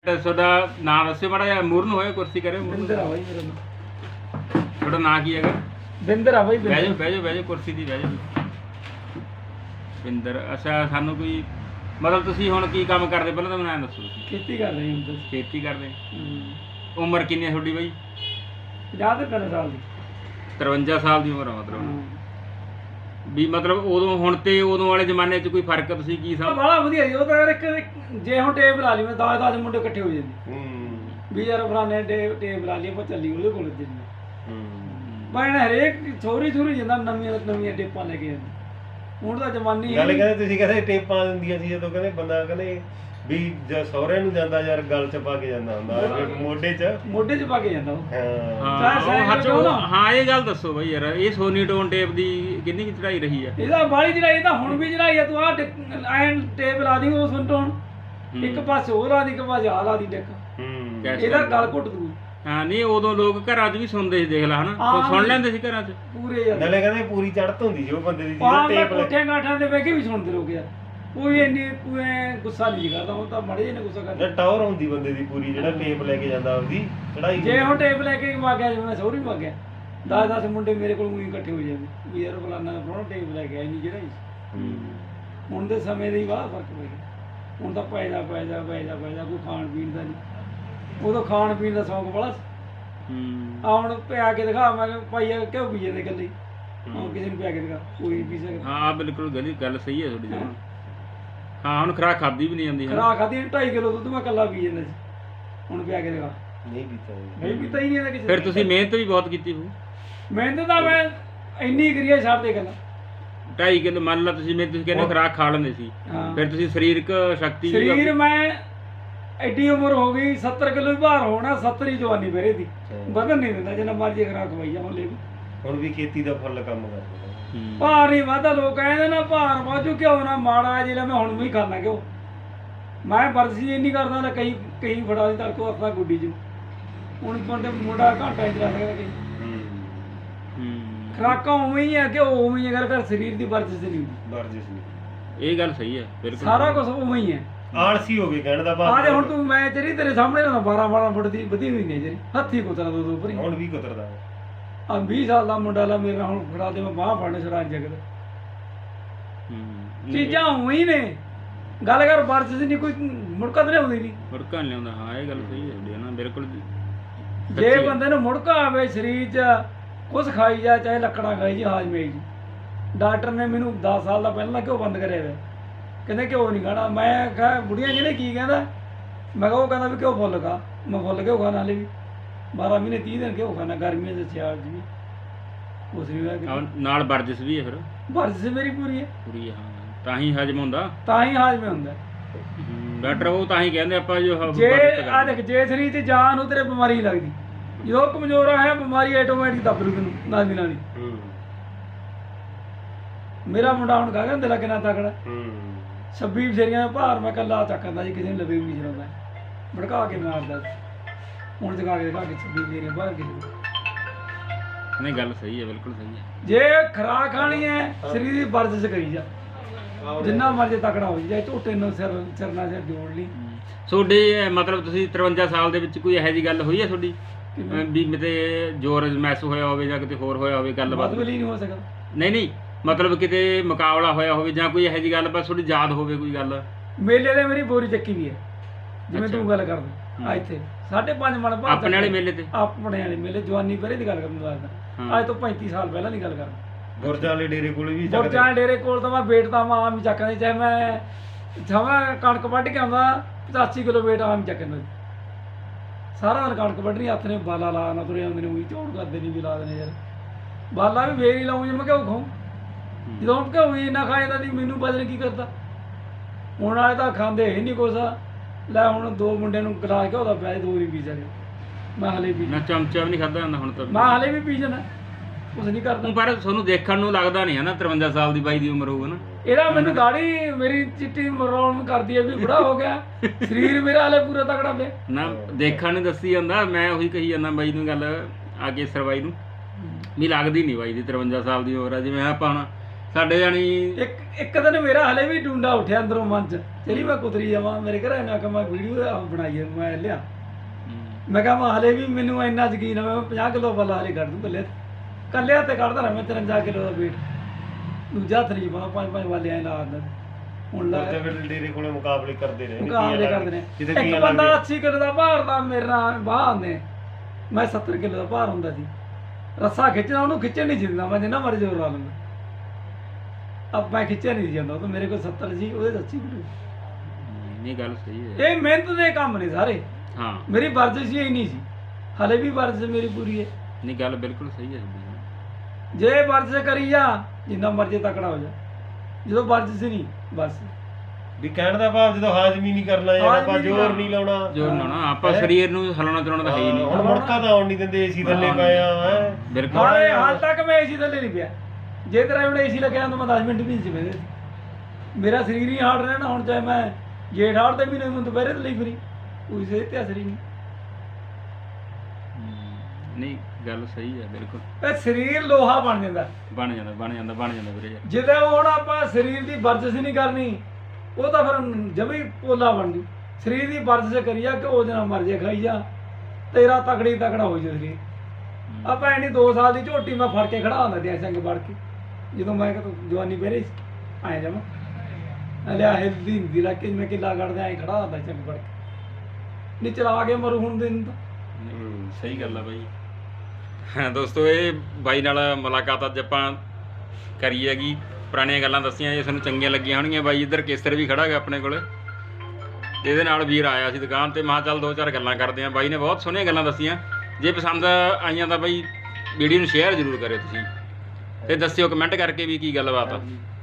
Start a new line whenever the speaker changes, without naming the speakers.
ਤੁਹਾਡਾ ਨਾਮ ਦੱਸਿਓ ਮਾੜਾ ਜਿਹਾ, ਮੂਰਨ ਹੋਇਆ ਕੁਰਸੀ ਕਰਿਓ ਮੂਰਨ।
ਬਿੰਦਰ ਆ ਬਾਈ ਮੇਰਾ ਨਾਮ।
ਤੁਹਾਡਾ ਨਾਂ ਕੀ ਹੈਗਾ?
ਬਿੰਦਰ ਆ ਬਾਈ।
ਬਹਿ ਜਾਓ ਬਹਿ ਜਾਓ ਬਹਿ ਜਾਓ, ਕੁਰਸੀ ਦੀ ਬਹਿ ਜਾਓ। ਬਿੰਦਰ, ਅੱਛਾ ਸਾਨੂੰ ਕੋਈ ਮਤਲਬ ਤੁਸੀਂ ਹੁਣ ਕੀ ਕੰਮ ਕਰਦੇ ਪਹਿਲਾਂ ਤਾਂ ਮੈਨੂੰ ਐਂ ਦੱਸੋ। ਤੁਸੀਂ
ਖੇਤੀ ਕਰ ਰਹੀ ਹਾਂ।
ਖੇਤੀ ਕਰਦੇ। ਉਮਰ ਕਿੰਨੀ ਹੈ ਤੁਹਾਡੀ ਬਾਈ?
50 ਤੇ 3 ਸਾਲ ਦੀ।
53 ਸਾਲ ਦੀ ਉਮਰ ਆ ਮਤਲਬ ਵੀ ਮਤਲਬ ਉਦੋਂ ਹੁਣ ਤੇ ਉਦੋਂ ਵਾਲੇ ਜ਼ਮਾਨੇ 'ਚ ਕੋਈ ਫਰਕ ਤੁਸੀਂ ਕੀ ਸਮਝ?
ਬੜਾ ਵਧੀਆ ਜੀ ਉਹ ਤਾਂ ਯਾਰ ਇੱਕ ਜੇ ਹੁਣ ਟੇਪ ਲਾ ਲਈ ਮੈਂ 10 ਮੁੰਡੇ ਇਕੱਠੇ ਹੋ ਜਾਂਦੇ ਵੀ ਯਾਰ ਫਲਾਣੇ ਟੇਪ ਲਾ ਲਈ ਆਪਾਂ ਚੱਲੀ ਉਹਦੇ ਕੋਲ ਜਿੰਨੀ ਪਰ ਹਰੇਕ ਛੋਰੀ ਜਾਂਦਾ ਨਵੀਆਂ ਟੇਪਾਂ ਲੈ ਕੇ ਜਾਂਦੇ। ਹੁਣ ਤਾਂ ਜ਼ਮਾਨੀ
ਗੱਲ ਕਹਿੰਦੇ ਤੁਸੀਂ ਕਹਿੰਦੇ ਟੇਪਾਂ ਦਿੰਦੀਆਂ ਸੀ ਜਦੋਂ ਕਹਿੰਦੇ ਬੰਦਾ ਕਹਿੰਦੇ ਵੀ ਜੇ ਸਹੁਰੇ ਨੂੰ ਜਾਂਦਾ ਯਾਰ ਗਲ ਚ ਪਾ ਕੇ ਜਾਂਦਾ ਹੁੰਦਾ ਮੋਢੇ ਚ ਪਾ ਕੇ ਜਾਂਦਾ
ਹਾਂ। ਇਹ ਗੱਲ ਦੱਸੋ ਬਈ ਯਾਰ, ਇਹ ਸੋਨੀ ਟੋਨ ਟੇਪ ਦੀ ਕਿੰਨੀ ਕੁ ਚੜਾਈ ਰਹੀ ਆ?
ਇਹਦਾ ਬਾਹਲੀ ਚੜਾਈ ਤਾਂ ਹੁਣ ਵੀ ਚੜਾਈ ਆ। ਤੂੰ ਆਹ ਐਨ ਟੇਪ ਲਾ ਦੀ ਉਹ ਸੁਣ ਟੋਨ ਇੱਕ ਪਾਸੇ ਉਹ ਲਾ ਦੀ ਇੱਕ ਪਾਸੇ ਆ ਲਾ ਦੀ ਟੇਕ ਇਹਦਾ ਗਲ ਘੁੱਟ ਦੂ।
ਹਾਂ ਨਹੀਂ ਉਦੋਂ ਲੋਕ ਘਰਾਂ 'ਚ ਵੀ ਸੁਣਦੇ ਸੀ, ਦੇਖ ਲੈ ਹਨਾ, ਸੁਣ ਲੈਂਦੇ ਸੀ ਘਰਾਂ 'ਚ
ਪੂਰੇ ਯਾਰ।
ਨਾਲੇ ਕਹਿੰਦੇ ਪੂਰੀ ਚੜ੍ਹਤ ਹੁੰਦੀ ਸੀ ਉਹ ਬੰਦੇ ਦੀ
ਟੇਪ ਕੋਠਿਆਂ ਗਾਠਾਂ ਦੇ ਬਹਿ ਕੇ ਵੀ ਸੁਣਦੇ ਲੋਕ ਯਾਰ। ਕੋਈ ਇੰਨੀ ਕੋਈ ਗੁੱਸਾ ਨਹੀਂ ਕਰਦਾ ਹੁਣ ਤਾਂ ਮਾੜੇ ਜਿਹੇ ਨੇ ਗੁੱਸਾ ਕਰਦਾ।
ਟਾਵਰ ਹੁੰਦੀ ਬੰਦੇ ਦੀ ਪੂਰੀ ਜਿਹੜਾ ਟੇਪ ਲੈ ਕੇ ਜਾਂਦਾ ਉਹਦੀ ਚੜਾਈ।
ਜੇ ਹੁਣ ਟੇਪ ਲੈ ਕੇ ਵਗ ਗਿਆ ਜਿਵੇਂ ਮੈਂ ਸਹੁਰੀ ਵਗ ਗਿਆ 10 ਮੁੰਡੇ ਮੇਰੇ ਕੋਲ ਉਹੀ ਇਕੱਠੇ ਹੋ ਜਾਂਦੇ ਵੀ ਯਾਰ ਫਲਾਨਾ ਪ੍ਰੋਣਾ ਟੇਪ ਲੈ ਕੇ ਆਈ ਨਹੀਂ ਜਿਹੜਾ ਹੁਣ ਦੇ ਸਮੇਂ ਦੇ ਹੀ ਬਾਹਲਾ ਫਰਕ ਪੈ ਗਿਆ। ਹੁਣ ਤਾਂ ਪੈਦਾ ਕੋਈ ਖਾਣ ਪੀਣ ਦਾ ਨਹੀਂ। ਉਦੋਂ ਖਾਣ ਪੀਣ ਦਾ ਸ਼ੌਂਕ ਬੜਾ ਆ। ਹੁਣ ਪਿਆ ਕੇ ਦਿਖਾ, ਮੈਂ ਭਾਈ ਕਿਉਂ ਪੀ ਜਾਂਦੇ ਇਕੱਲੇ? ਹੁਣ ਕਿਸੇ ਨੂੰ ਪਿਆ ਕੇ ਦਿਖਾ, ਕੋਈ ਪੀ ਸਕਦਾ।
ਹਾਂ ਬਿਲਕੁਲ ਗੱਲ ਸਹੀ ਹੈ ਤੁਹਾਡੀ ਜਮਾਂ। ਹਾਂ ਹੁਣ ਖੁਰਾਕ ਖਾਧੀ ਵੀ ਨਹੀਂ ਜਾਂਦੀ।
ਖੁਰਾਕ ਖਾਧੀ 2.5 ਕਿਲੋ ਦੁੱਧ ਮੈਂ ਇਕੱਲਾ ਪੀ ਜਾਂਦਾ ਸੀ। ਹੁਣ ਪਿਆ ਕੇ ਦਿਖਾ,
ਨਹੀਂ ਪੀਤਾ
ਹੀ ਨਹੀਂ ਕਿਸੇ।
ਫਿਰ ਤੁਸੀਂ ਮਿਹਨਤ ਵੀ ਬਹੁਤ ਕੀਤੀ ਹੋਊ।
ਮਿਹਨਤ ਤਾਂ ਮੈਂ ਇੰਨੀ ਕਰੀਏ ਛੱਡ ਦੇ ਗੱਲਾਂ।
2.5 ਕਿਲੋ ਮੰਨ ਲਾ ਤੁਸੀਂ ਕਹਿੰਦੇ ਖੁਰਾਕ ਖਾ ਲੈਂਦੇ ਸੀ, ਫਿਰ ਤੁਸੀਂ ਸਰੀਰਕ ਸ਼ਕਤੀ
ਸਰੀਰ ਮੈਂ ਐਡੀ ਉਮਰ ਹੋ ਗਈ 70 ਕਿਲੋ ਵੀ ਭਾਰ ਹੋਣਾ, 70 ਹੀ ਜਵਾਨੀ ਮੇਰੇ ਦੀ ਵਧਣ ਨਹੀਂ ਦਿੰਦਾ ਜਿੰਨਾ ਮਰਜ਼ੀ ਖੁਰਾਕ ਖਵਾਈ ਜਾ।
ਹੁਣ ਵੀ ਖੇਤੀ ਦਾ ਫੁੱਲ ਕੰਮ ਕਰਦੇ
ਭਾਰ ਨਹੀਂ ਵਾਧਾ। ਲੋਕ ਕਹਿੰਦੇ ਨਾ ਭਾਰ ਵਾਧੂ ਕਿਉਂ ਨਾ ਮਾੜਾ ਜਿਹੜਾ ਮੈਂ ਹੁਣ ਵੀ ਖਾਣਾ ਕਿਉਂ ਮੈਂ ਵਰਜ਼ੀ ਇੰਨੀ ਕਰਦਾ ਨਾ ਕਈ ਫੜਾ ਦੀ ਤੜਕੋ ਆਪਣਾ ਗੁੱਡੀ 'ਚ ਹੁਣ ਬੰਦੇ ਮੁੰਡਾ ਘੰਟਾ ਚਲਾ ਸਕਦਾ ਕਈ ਖੁਰਾਕਾਂ ਉਵੇਂ ਹੀ ਆ ਕਿ ਉਵੇਂ ਹੀ ਅਗਰ ਸਰੀਰ ਦੀ ਵਰਜਿਸ਼ ਨਹੀਂ ਹੁੰਦੀ।
ਇਹ ਗੱਲ ਸਹੀ ਹੈ ਬਿਲਕੁਲ।
ਸਾਰਾ ਕੁਝ ਉਵੇਂ ਹੀ ਹੈ।
ਆਲਸੀ ਹੋ ਗਏ ਕਹਿਣ ਦਾ ਭਾਵ।
ਆਹ ਹੁਣ ਤੂੰ ਮੈਂ ਤੇਰੇ ਸਾਹਮਣੇ ਨਾ 12 ਫੁੱਟ ਦੀ ਵਧੀ ਹੋਈ ਨੇ ਜਿਹੜੀ ਹੱਥੀ ਕੁਤਰਾ ਦੋ ਉੱਪਰ
ਹੁਣ ਵੀ ਕੁਤਰਦਾ
ਆ 20 ਸਾਲ ਦਾ ਮੁੰਡਾ ਲਾ ਮੇਰੇ ਨਾਲ ਹੁਣ ਫੜਾ ਦੇ ਮੈਂ ਬਾਹ ਫੜਨ ਛੜਾ ਜਗਦਾ ਚੀਜ਼ਾਂ ਉਵੇਂ ਹੀ ਨੇ। ਗੱਲ ਕਰ ਵਰਜਿਸ਼ ਨਹੀਂ ਕੋਈ ਮੁੜਕਾ ਤੇ ਲਿਆਉਂਦੀ ਨਹੀਂ।
ਮੁੜਕਾ ਨਹੀਂ ਲਿਆਉਂਦਾ। ਹਾਂ ਇਹ ਗੱਲ ਸਹੀ ਹੈ ਨਾ ਬਿਲਕੁਲ।
ਜੇ ਬੰਦੇ ਨੂੰ ਮੁੜਕਾ ਆਵੇ ਸਰੀਰ 'ਚ ਕੁਛ ਖਾਈ ਜਾ ਚਾਹੇ ਲੱਕੜਾਂ ਖਾਈ ਜੀ ਹਾਜ਼ਮੇ ਜੀ। ਡਾਕਟਰ ਨੇ ਮੈਨੂੰ 10 ਸਾਲ ਦਾ ਪਹਿਲਾਂ ਘਿਓ ਬੰਦ ਕਰਿਆ ਹੋਇਆ, ਕਹਿੰਦੇ ਘਿਓ ਨਹੀਂ ਖਾਣਾ। ਮੈਂ ਕਿਹਾ ਬੁੜੀਆਂ ਜਿਹਨੇ ਕੀ ਕਹਿੰਦਾ, ਮੈਂ ਕਿਹਾ ਉਹ ਕਹਿੰਦਾ ਵੀ ਘਿਓ ਫੁੱਲ ਖਾ। ਮੈਂ ਫੁੱਲ ਘਿਓ ਖਾਣਾ ਹਾਲੇ ਵੀ 12 ਮਹੀਨੇ 30 ਦਿਨ ਘਿਓ ਖਾਣਾ, ਗਰਮੀਆਂ 'ਚ ਸਿਆਲ 'ਚ ਵੀ ਉਸ ਵੀ
ਨਾਲ ਵਰਜਿਸ਼ ਵੀ ਹੈ। ਫਿਰ
ਵਰਜਿਸ਼ ਮੇਰੀ ਪੂਰੀ ਹੈ।
ਪੂਰੀ ਹਾਂ, ਤਾਂ ਹੀ ਹਜਮ ਹੁੰਦਾ।
ਤਾਂ ਹੀ ਹਾਜ਼ਮੇ ਹੁੰਦਾ
ਡਾਕਟਰ ਉਹ ਤਾਂ ਹੀ ਕਹਿੰਦੇ ਆਪਾਂ ਜੋ
ਜੇ ਆ ਦੇਖ ਜੇ ਸਰੀਰ 'ਚ ਜਾਨ ਨੂੰ ਤੇਰੇ ਬਿਮਾਰੀ ਲੱਗਦੀ, ਜਦੋਂ ਕਮਜ਼ੋਰ ਹੈ ਬਿਮਾਰੀ ਆਟੋਮੈਟਿਕ ਦੱਬ ਲੂ ਤੈਨੂੰ ਨਾਲ ਦੀ ਨਾਲ ਹੀ। ਮੇਰਾ ਮੁੰਡਾ ਹੁਣ ਕਹਾਂ ਦਿਲ ਕਿੰਨਾ ਤਕੜਾ 26 ਬਸੇਰੀਆਂ ਦਾ ਭਾਰ ਮੈਂ ਕੱਲਾ ਚੱਕਦਾ ਜੀ, ਕਿਸੇ ਨੂੰ ਲਵੇ ਵੀ ਨਹੀਂ ਚਲਾਉਂਦਾ, ਭੜਕਾ ਕੇ ਮਾਰਦਾ। ਹੁਣ ਜਗਾ ਕੇ ਦਿਖਾ ਕੇ 26 ਬਸੇਰੀਆਂ ਬਾਹਰ ਕਿਸੇ
ਨਹੀਂ ਗੱਲ ਸਹੀ ਹੈ ਬਿਲਕੁਲ ਸਹੀ ਹੈ।
ਜੇ ਖੁਰਾਕ ਖਾਣੀ ਹੈ ਸਰੀਰ ਦੀ ਵਰਜਿਸ਼ ਕਰੀ ਜਾ, ਜਿੰਨਾ ਮਰਜ਼ੀ ਤਕੜਾ ਹੋ ਜਾਏ, ਝੋਟੇ ਨੂੰ ਸਿਰ ਜੋੜ ਲਈ।
ਤੁਹਾਡੇ ਮਤਲਬ ਤੁਸੀਂ 53 ਸਾਲ ਦੇ ਵਿੱਚ ਕੋਈ ਇਹੋ ਜਿਹੀ ਗੱਲ ਹੋਈ ਹੈ ਤੁਹਾਡੀ ਵੀ ਕਿਤੇ ਜ਼ੋਰ ਮਹਿਸ ਹੋਇਆ ਹੋਵੇ ਜਾਂ ਕਿਤੇ ਹੋਰ ਹੋਇਆ ਹੋਵੇ ਗੱਲਬਾਤ?
ਨਹੀਂ ਹੋ ਸਕਦਾ।
ਨਹੀਂ ਮਤਲਬ ਕਿਤੇ ਮੁਕਾਬਲਾ ਹੋਇਆ ਹੋਵੇ ਜਾਂ ਕੋਈ ਇਹੋ ਜਿਹੀ ਗੱਲ ਬਸ ਤੁਹਾਡੀ ਯਾਦ ਹੋਵੇ ਕੋਈ ਗੱਲ?
ਮੇਲੇ ਦੇ ਮੇਰੀ ਬੋਰੀ ਚੱਕੀ ਵੀ ਹੈ ਜਿਵੇਂ ਤੂੰ ਗੱਲ ਕਰਦਾ। ਇੱਥੇ 5.5 ਮਣ ਭਾਰ
ਆਪਣੇ ਵਾਲੇ ਮੇਲੇ ਤੇ,
ਆਪਣੇ ਵਾਲੇ ਮੇਲੇ ਜਵਾਨੀ ਪਹਿਲੇ ਦੀ ਗੱਲ ਕਰਨ ਲੱਗਦਾ, ਅੱਜ ਤੋਂ 35 ਸਾਲ ਪਹਿਲਾਂ ਦੀ ਗੱਲ ਕਰਦਾ।
ਗੁਰਜਾਂ ਵਾਲੇ ਡੇਰੇ ਕੋਲ ਵੀ
ਗੁਰਜਾਂ ਡੇਰੇ ਕੋਲ ਤਾਂ ਮੈਂ ਵੇਟ ਤਾਂ ਮੈਂ ਆਮ ਹੀ ਚੱਕਦਾ, ਚਾਹੇ ਮੈਂ ਜਮਾਂ ਕਣਕ ਵੱਢ ਕੇ ਆਉਂਦਾ 85 ਕਿਲੋ ਵੇਟ ਆਮ ਹੀ ਚੱਕਦਾ। ਸਾਰਾ ਦਿਨ ਕਣਕ ਵੱਢਣੀ, ਹੱਥ ਨੇ ਬਾਲਾ ਲਾ ਨਾ ਤੁਰੇ ਆਉਂਦੇ ਨੇ, ਉਹੀ ਝੋੜ ਕਰਦੇ ਨਹੀਂ ਵੀ ਲਾ ਦੇਣੇ ਯਾਰ। ਬਾਲਾ ਵੀ ਫੇਰ ਹੀ ਲਾਉਂ ਜੇ ਮੈਂ ਘਿਓ ਖਾਊਂ, ਜਦੋਂ ਘਿਓ ਹੀ ਇੰਨਾ ਖਾ ਜਾਂਦਾ ਨਹੀਂ ਮੈਨੂੰ ਵਜਨ ਕੀ ਕਰਦਾ। ਹੁਣ ਵਾਲੇ ਤਾਂ ਖਾਂਦੇ ਹੀ ਨਹੀਂ ਕੁਛ। ਲੈ ਹੁਣ 2 ਮੁੰਡਿਆਂ ਨੂੰ ਗਲਾਸ ਘਿਓ ਦਾ ਪਿਆ, 2 ਨਹੀਂ ਪੀ ਸਕਦੇ। ਮੈਂ ਹਲੇ ਵੀ
ਨਾ ਚਮਚਾ ਵੀ ਨਹੀਂ ਖਾਧਾ ਜਾਂਦਾ ਹੁਣ ਤਾਂ।
ਮੈਂ ਹਲੇ ਵੀ ਪੀ ਜਾਣਾ, ਕੁਛ ਨਹੀਂ ਕਰਦਾ।
ਪਰ ਤੁਹਾਨੂੰ ਦੇਖਣ ਨੂੰ ਲੱਗਦਾ ਨਹੀਂ ਹੈ ਨਾ 53 ਸਾਲ ਦੀ ਬਾਈ ਦੀ ਉਮਰ ਹੋਊ ਨਾ।
ਇਹਦਾ ਮੈਨੂੰ ਦਾੜੀ ਮੇਰੀ ਚਿੱਟੀ ਮਰੌਣ ਕਰਦੀ ਹੈ ਵੀ ਬੁੜਾ ਹੋ ਗਿਆ, ਸਰੀਰ ਮੇਰਾ ਹਲੇ ਪੂਰਾ ਤਕੜਾ ਪਿਆ
ਨਾ। ਦੇਖਣ ਨੂੰ ਦੱਸੀ ਜਾਂਦਾ, ਮੈਂ ਉਹੀ ਕਹੀ ਜਾਂਦਾ ਬਾਈ ਨੂੰ ਗੱਲ ਆ ਕੇ ਸਰਵਾਈ ਨੂੰ ਵੀ ਲੱਗਦੀ ਨਹੀਂ ਬਾਈ ਦੀ 53 ਸਾਲ ਦੀ ਉਮਰ ਆ। ਜਿਵੇਂ ਆਪਾਂ ਹੁਣ ਸਾਡੇ ਜਾਨੀ
ਇੱਕ ਦਿਨ ਮੇਰਾ ਹਲੇ ਵੀ ਡੂੰਡਾ ਉੱਠਿਆ ਅੰਦਰੋਂ ਮਨ ਚ, ਚਲੀ ਮੈਂ ਕੁਤਰੀ ਜਾਵਾਂ ਮੇਰੇ ਘਰ ਮੈਂ ਕਿਹਾ ਮੈਂ ਵੀਡੀਓ ਬਣਾਈ ਹੈ, ਮੈਂ ਲਿਆ ਮੈਂ ਕਿਹਾ ਮੈਂ ਹਲੇ ਵੀ ਮੈਨੂੰ ਇੰਨਾ ਯਕੀਨ ਹੈ ਮੈਂ 50 ਕਿਲੋ ਵਾਲਾ ਹਲੇ ਕੱਢ ਦੂੰ ਕੱਲਿਆ ਤੇ ਕੱਢਦਾ ਰਿਹਾ ਮੈਂ 53 ਕਿਲੋ ਦਾ weight, ਦੂਜਾ ਹੱਥ ਨਹੀਂ ਪਾਉਣਾ 5-5 ਵਾਲੇ ਐ ਲਾ ਦਿੰਦਾ। ਹੁਣ ਲਾ
ਉੱਥੇ ਫਿਰ ਡੇਰੇ ਕੋਲੇ ਮੁਕਾਬਲੇ ਕਰਦੇ ਰਹੇ
ਮੁਕਾਬਲੇ ਕਰਦੇ ਨੇ, ਇੱਕ ਬੰਦਾ 80 ਕਿਲੋ ਦਾ ਭਾਰ ਦਾ ਮੇਰੇ ਨਾਲ ਬਾਹ ਆਉਂਦੇ, ਮੈਂ 70 ਕਿਲੋ ਦਾ ਭਾਰ ਹੁੰਦਾ ਸੀ, ਰੱਸਾ ਖਿੱਚਣਾ ਉਹਨੂੰ ਖਿੱਚਣ ਨਹੀਂ ਦਿੰਦਾ ਮੈਂ, ਜਿੰਨਾ ਮਰਜ਼ੀ ਜ਼ੋਰ ਲਾ ਲੈਂਦਾ, ਅਬ ਮੈਂ ਖਿੱਚਿਆ ਨਹੀਂ ਜਾਂਦਾ ਉਹ ਤਾਂ ਮੇਰੇ ਕੋਲ 70 ਸੀ ਉਹਦੇ 80 ਕਿਲੋ।
ਨਹੀਂ ਗੱਲ ਸਹੀ ਹੈ,
ਇਹ ਮਿਹਨਤ ਦੇ ਕੰਮ ਨੇ ਸਾਰੇ।
ਹਾਂ
ਮੇਰੀ ਵਰਜ਼ਿਸ਼ ਹੀ ਨਹੀਂ ਸੀ, ਹਲੇ ਵੀ ਵਰਜ਼ਿਸ਼ ਮੇਰੀ ਪੂਰੀ ਹੈ।
ਨਹੀਂ ਗੱਲ ਬਿਲਕੁਲ ਸਹੀ ਹੈ ਤੁਹਾਡੀ।
ਜੇ ਵਰਜ਼ਿਸ਼ ਕਰੀ ਜਾ ਜਿੰਨਾ ਮਰਜ਼ੀ ਤਕੜਾ ਹੋ ਜਾ, ਜਦੋਂ ਵਰਜ਼ਿਸ਼ ਨਹੀਂ ਬਸ
ਵੀ ਕਹਿਣ ਦਾ ਭਾਵ ਜਦੋਂ ਹਾਜ਼ਮੀ ਨਹੀਂ ਕਰਨਾ ਯਾਰ ਆਪਾਂ ਜ਼ੋਰ ਨਹੀਂ ਲਾਉਣਾ,
ਜ਼ੋਰ ਲਾਉਣਾ ਆਪਾਂ ਸਰੀਰ ਨੂੰ ਹਿਲਾਉਣਾ ਚਲਾਉਣਾ ਤਾਂ ਹੈ ਹੀ ਨਹੀਂ।
ਹੁਣ ਮੁੜਕਾ ਤਾਂ ਆਉਣ ਨਹੀਂ ਦਿੰਦੇ, ਏਸੀ ਥੱਲੇ ਪਏ ਆ ਹੈ
ਬਿਲਕੁਲ।
ਹਾਲ ਤੱਕ ਮੈਂ ਏਸੀ ਥੱਲੇ ਨਹੀਂ ਪਿਆ, ਜੇ ਤੇਰਾ ਹੁਣ ਏਸੀ ਲੱਗਿਆ ਤਾਂ ਮੈਂ 10 ਮਿੰਟ ਵੀ ਨਹੀਂ ਸੀ ਬਹਿੰਦੇ। ਮੇਰਾ ਸਰੀਰ ਹੀ ਹਾਰਡ ਰਹਿਣਾ, ਹੁਣ ਚਾਹੇ ਮੈਂ ਜੇਠ ਹਾੜ ਦੇ ਮਹੀਨੇ ਨੂੰ ਦੁਪਹਿਰੇ ਤੇ ਲਈ ਫਿਰੀ ਕੋਈ ਸਿਹਤ ਤੇ ਅਸਰ ਹੀ ਨਹੀਂ।
ਨਹੀਂ ਗੱਲ ਸਹੀ ਹੈ ਬਿਲਕੁਲ।
ਇਹ ਸਰੀਰ ਲੋਹਾ ਬਣ ਜਾਂਦਾ
ਬਣ ਜਾਂਦਾ ਵੀਰੇ ਯਾਰ।
ਜਦੋਂ ਹੁਣ ਆਪਾਂ ਸਰੀਰ ਦੀ ਵਰਜਿਸ਼ ਨਹੀਂ ਕਰਨੀ ਉਹ ਤਾਂ ਫਿਰ ਜਮੀ ਪੋਲਾ ਬਣ ਜੂ। ਸਰੀਰ ਦੀ ਵਰਜਿਸ਼ ਕਰੀਆ ਕਿ ਉਹ ਜਨਾ ਮਰ ਜੇ ਖਾਈ ਜਾ, ਤੇਰਾ ਤਕੜਾ ਹੋ ਜਾ ਸਰੀਰ। ਆਪਾਂ ਐਨੀ 2 ਸਾਲ ਦੀ ਝੋਟੀ ਮੈਂ ਫੜ ਕੇ ਖੜਾ ਹੁੰਦਾ ਦਿਆ ਸੰਗ ਵੜ ਕੇ, ਜਦੋਂ ਮੈਂ ਜਵਾਨੀ ਪਹਿਰੇ ਆਏ ਜਾਵਾਂ ਲਿਆ ਹਿਲਦੀ ਹੁੰਦੀ ਲੱਗ ਕੇ ਮੈਂ ਕਿੱਲਾ ਕੱਢਦਾ ਐਂ ਖੜਾ ਹੁੰਦਾ ਚੰਗ ਵੜ ਕੇ, ਨਹੀਂ ਚਲਾ ਕੇ ਮਰੂ ਹੁਣ ਦਿਨ ਤਾਂ।
ਸਹੀ ਗੱਲ ਆ ਬਾਈ। ਹਾਂ ਦੋਸਤੋ, ਇਹ ਬਾਈ ਨਾਲ ਮੁਲਾਕਾਤ ਅੱਜ ਆਪਾਂ ਕਰੀ ਹੈਗੀ, ਪੁਰਾਣੀਆਂ ਗੱਲਾਂ ਦੱਸੀਆਂ, ਜੇ ਤੁਹਾਨੂੰ ਚੰਗੀਆਂ ਲੱਗੀਆਂ ਹੋਣਗੀਆਂ। ਬਾਈ ਇੱਧਰ ਕੇਸਰ ਵੀ ਖੜਾ ਹੈਗਾ ਆਪਣੇ ਕੋਲ, ਇਹਦੇ ਨਾਲ ਵੀਰ ਆਇਆ ਸੀ ਦੁਕਾਨ ਤੇ, ਮੈਂ ਚੱਲ 2-4 ਗੱਲਾਂ ਕਰਦੇ ਹਾਂ। ਬਾਈ ਨੇ ਬਹੁਤ ਸੋਹਣੀਆਂ ਗੱਲਾਂ ਦੱਸੀਆਂ, ਜੇ ਪਸੰਦ ਆਈਆਂ ਤਾਂ ਬਾਈ ਵੀਡੀਓ ਨੂੰ ਸ਼ੇਅਰ ਜ਼ਰੂਰ ਕਰਿਓ ਤੁਸੀਂ, ਤੇ ਦੱਸਿਓ ਕਮੈਂਟ ਕਰਕੇ ਵੀ ਕੀ ਗੱਲਬਾਤ ਆ।